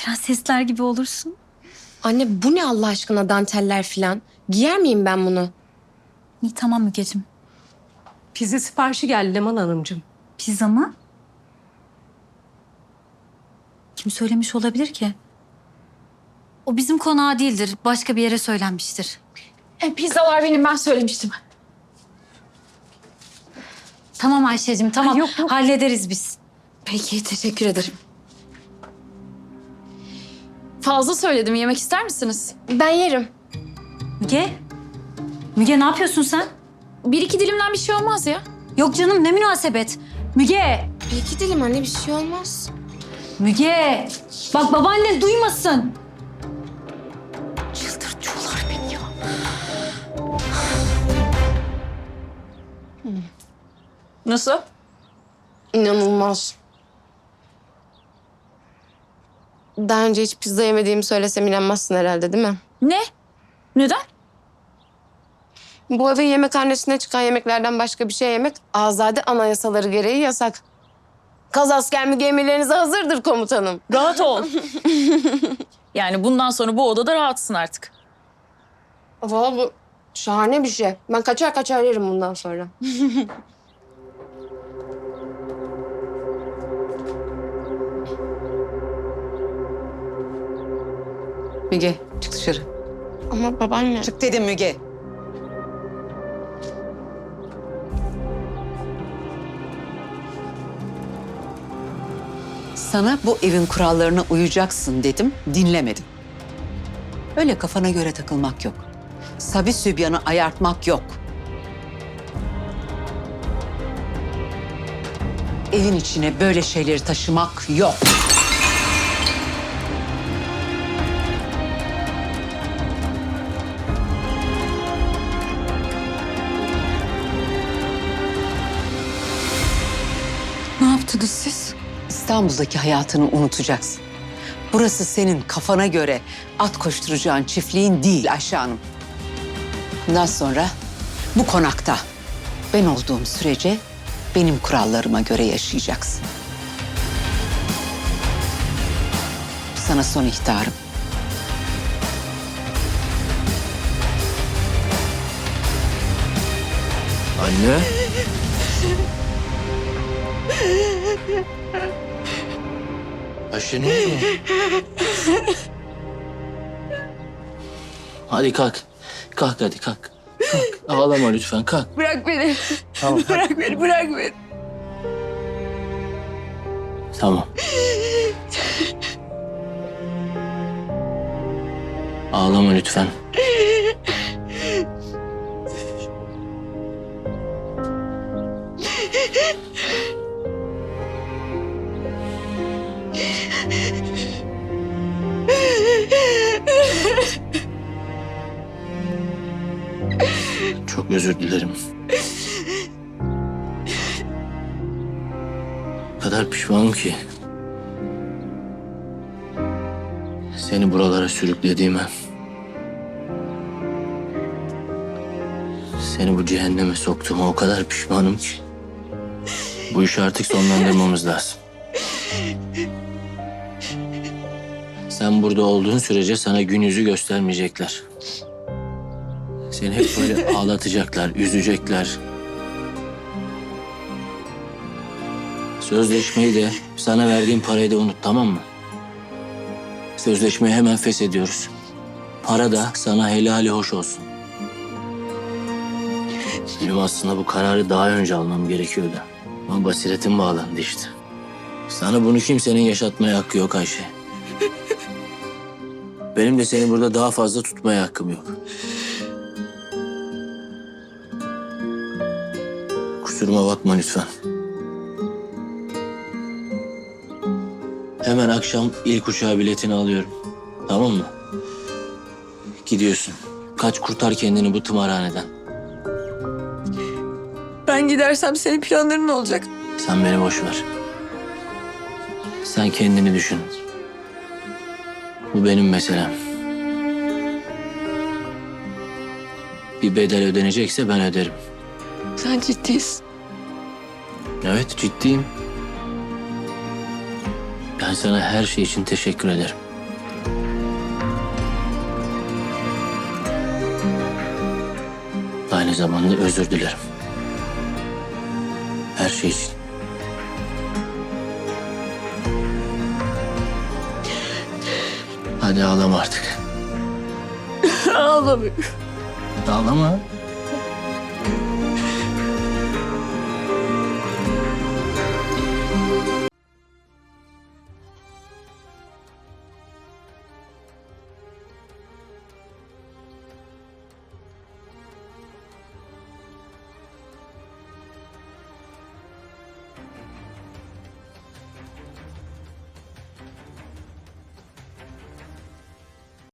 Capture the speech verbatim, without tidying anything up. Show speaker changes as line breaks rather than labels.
Prensesler gibi olursun.
Anne bu ne Allah aşkına danteller falan? Giyer miyim ben bunu?
İyi tamam Mügeciğim.
Pizza siparişi geldi Leman Hanımcığım.
Pizza mı? Kim söylemiş olabilir ki? O bizim konağa değildir. Başka bir yere söylenmiştir.
E, pizzalar benim, ben söylemiştim.
Tamam Ayşe'cim tamam.
Ay, yok, yok.
Hallederiz biz.
Peki, teşekkür ederim. Fazla söyledim, yemek ister misiniz?
Ben yerim.
Müge? Müge ne yapıyorsun sen?
Bir iki dilimden bir şey olmaz ya.
Yok canım ne münasebet. Müge!
Bir iki dilim anne, bir şey olmaz.
Müge! Bak babaannen duymasın.
Çıldırtıyorlar beni ya.
Nasıl?
İnanılmaz. Daha önce hiç pizza yemediğimi söylesem inanmazsın herhalde değil mi?
Ne? Neden?
Bu evin yemekhanesine çıkan yemeklerden başka bir şey yemek azade anayasaları gereği yasak. Kazasker mi gemilerinize hazırdır komutanım.
Rahat ol. Yani bundan sonra bu odada rahatsın artık.
Valla bu şahane bir şey. Ben kaçar kaçar yerim bundan sonra.
Müge çık dışarı.
Ama babaanne...
Çık dedim Müge. Sana bu evin kurallarına uyacaksın dedim, dinlemedin. Öyle kafana göre takılmak yok. Sabi sübyanı ayartmak yok. Evin içine böyle şeyleri taşımak yok.
Ne yaptınız siz?
İstanbul'daki hayatını unutacaksın. Burası senin kafana göre at koşturacağın çiftliğin değil Ayşe Hanım. Bundan sonra bu konakta ben olduğum sürece benim kurallarıma göre yaşayacaksın. Bu sana son ihtarım.
Anne. Ayşe ne oldu? Hadi kalk. Kalk hadi kalk. Kalk. Ağlama lütfen kalk.
Bırak beni.
Tamam.
Bırak beni, bırak beni.
Tamam. Ağlama lütfen. Çok özür dilerim. O kadar pişmanım ki. Seni buralara sürüklediğime. Seni bu cehenneme soktuğuma o kadar pişmanım ki. Bu işi artık sonlandırmamız lazım. Sen burada olduğun sürece sana gün yüzü göstermeyecekler. Seni hep böyle ağlatacaklar, üzecekler. Sözleşmeyi de, sana verdiğim parayı da unut, tamam mı? Sözleşmeyi hemen feshediyoruz. Para da sana helali hoş olsun. Benim aslında bu kararı daha önce almam gerekiyordu. Ama basiretim bağlandı işte. Sana bunu kimsenin yaşatmaya hakkı yok Ayşe. Benim de seni burada daha fazla tutmaya hakkım yok. Kusuruma bakma lütfen. Hemen akşam ilk uçağa biletini alıyorum. Tamam mı? Gidiyorsun. Kaç kurtar kendini bu tımarhaneden.
Ben gidersem senin planların ne olacak?
Sen beni boş ver. Sen kendini düşün. Bu benim meselem. Bir bedel ödenecekse ben öderim.
Sen ciddisin.
Evet, ciddiyim. Ben Ben sana her şey için teşekkür ederim. Aynı zamanda özür dilerim. Her şey için. Hadi ağlama artık.
Ağlamıyorum.
Ağlama.